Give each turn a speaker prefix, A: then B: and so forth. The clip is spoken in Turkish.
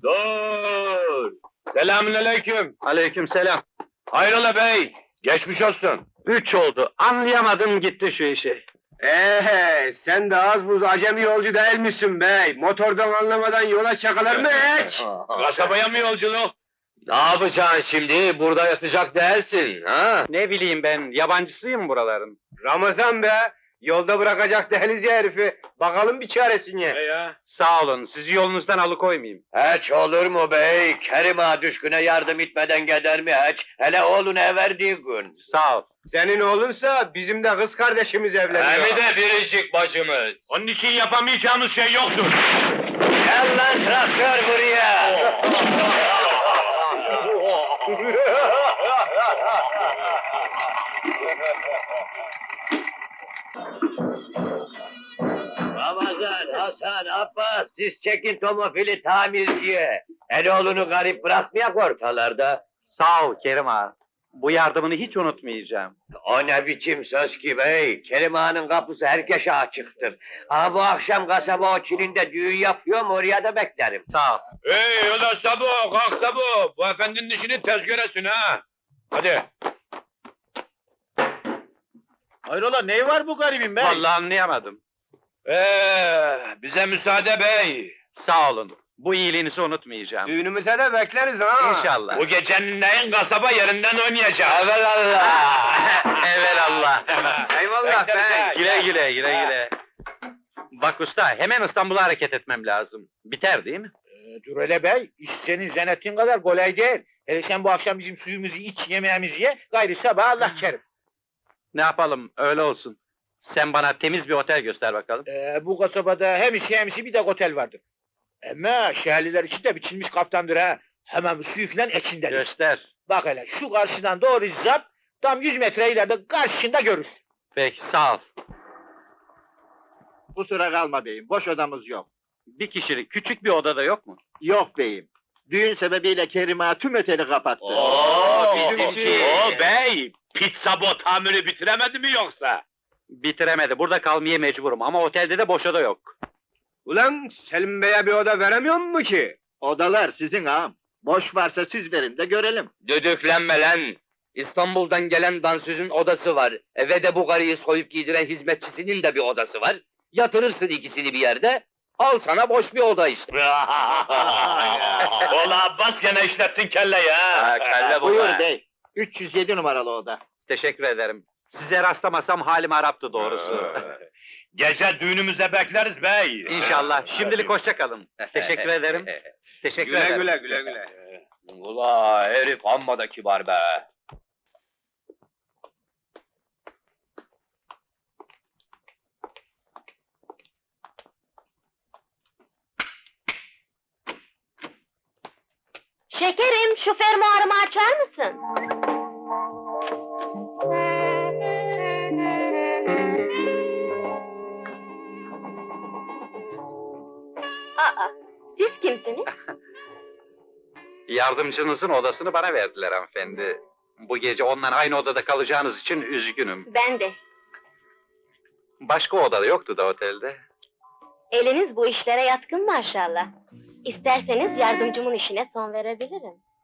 A: Dur! Selamünaleyküm.
B: Aleykümselam.
A: Hayrola bey? Geçmiş olsun.
B: 3 oldu. Anlayamadım gitti şu işi.
C: Sen de az buz acemi yolcu değil misin bey? Motordan anlamadan yola çakılır mı hiç?
A: Kasabaya mı yolculuk?
D: Ne yapacaksın şimdi? Burada yatacak değilsin, ha?
B: Ne bileyim ben, yabancısıyım buraların.
C: Ramazan be! Yolda bırakacak değiliz ya herifi. Bakalım bir çaresine.
A: Ya.
B: Sağ olun, sizi yolunuzdan alıkoymayayım.
D: Hiç olur mu bey? Kerim ağa düşküne yardım etmeden gider mi hiç? Hele oğluna verdiği gün.
B: Sağ ol.
C: Senin oğlunsa bizim de kız kardeşimiz evleniyor.
D: Hem de biricik bacımız.
A: Onun için yapamayacağımız şey yoktur.
D: Gel lan traktör buraya! Ramazan, Hasan, Abbas, siz çekin tomofili tamirciye. Eloğlunu garip bırakmayak ortalarda.
B: Sağ ol Kerim ağa. Bu yardımını hiç unutmayacağım.
D: O ne biçim söz ki bey? Kerim Ağa'nın kapısı herkese açıktır. Ha bu akşam kasaba o Çin'inde düğün yapıyorum, oraya da beklerim.
B: Sağ ol.
A: Hey ulan Sabo, kalk Sabo. Bu efendinin işini tez göresin ha. Hadi.
C: Hayrola ne var bu garibin
B: Vallahi anlayamadım.
A: Bize müsaade bey.
B: Sağ olun. Bu iyiliğinizi unutmayacağım.
C: Düğünümüze de bekleriz ha.
B: İnşallah.
A: Bu gecenin neyin kasaba yerinden oynayacak.
D: Evelallah!
B: Evelallah.
C: Eyvallah
A: Bekleriz ha.
C: bey.
B: Güle güle, güle güle. Bak usta, hemen İstanbul'a hareket etmem lazım. Biter değil mi?
E: Dur hele bey, iş senin zannettiğin kadar kolay değil. Hele sen bu akşam bizim suyumuzu iç, yemeğimizi ye, gayrı sabah Allah kerim.
B: Ne yapalım, öyle olsun. Sen bana temiz bir otel göster bakalım.
E: Bu kasabada hem işi hem işi bir de otel vardır. Ama şehirliler için de biçilmiş kaftandır ha. Hemen suyu filan içindedir.
B: Göster.
E: Bak hele, şu karşıdan doğru zap, tam 100 metre ileride karşında görürsün.
B: Peki, sağ ol.
F: Kusura kalma beyim, boş odamız yok.
B: Bir kişilik, küçük bir odada yok mu?
F: Yok beyim. Düğün sebebiyle Kerim Ağa tüm oteli kapattı.
B: bizimki.
A: Bey, pizza bot tamiri bitiremedi mi yoksa?
B: Bitiremedi, burada kalmaya mecburum ama otelde de boş oda yok.
C: Ulan Selim Bey'e bir oda veremiyor mu ki?
F: Odalar sizin ağam. Boş varsa siz verin de görelim.
D: Düdüklenme lan! İstanbul'dan gelen dansözün odası var. Eve de bu karıyı soyup giydiren hizmetçisinin de bir odası var. Yatırırsın ikisini bir yerde, al sana boş bir oda işte.
A: Ola Abbas gene işlettin kelleyi ha.
D: Kelle bu
F: Buyur
D: be.
F: bey. 307 numaralı oda.
B: Teşekkür ederim. Size rastlamasam halim haraptı doğrusu.
A: Gece düğünümüze bekleriz bey.
B: İnşallah. Şimdilik hoşça kalın. Teşekkür ederim. Teşekkür
C: Güle
B: ederim.
C: güle güle güle.
D: Ula herif amma da kibar be.
G: Şekerim, şu fermuarımı açar mısın? Aa, siz kimsiniz?
B: Yardımcınızın odasını bana verdiler hanımefendi. Bu gece onunla aynı odada kalacağınız için üzgünüm.
G: Ben de.
B: Başka odada yoktu da otelde.
G: Eliniz bu işlere yatkın maşallah. İsterseniz yardımcımın işine son verebilirim.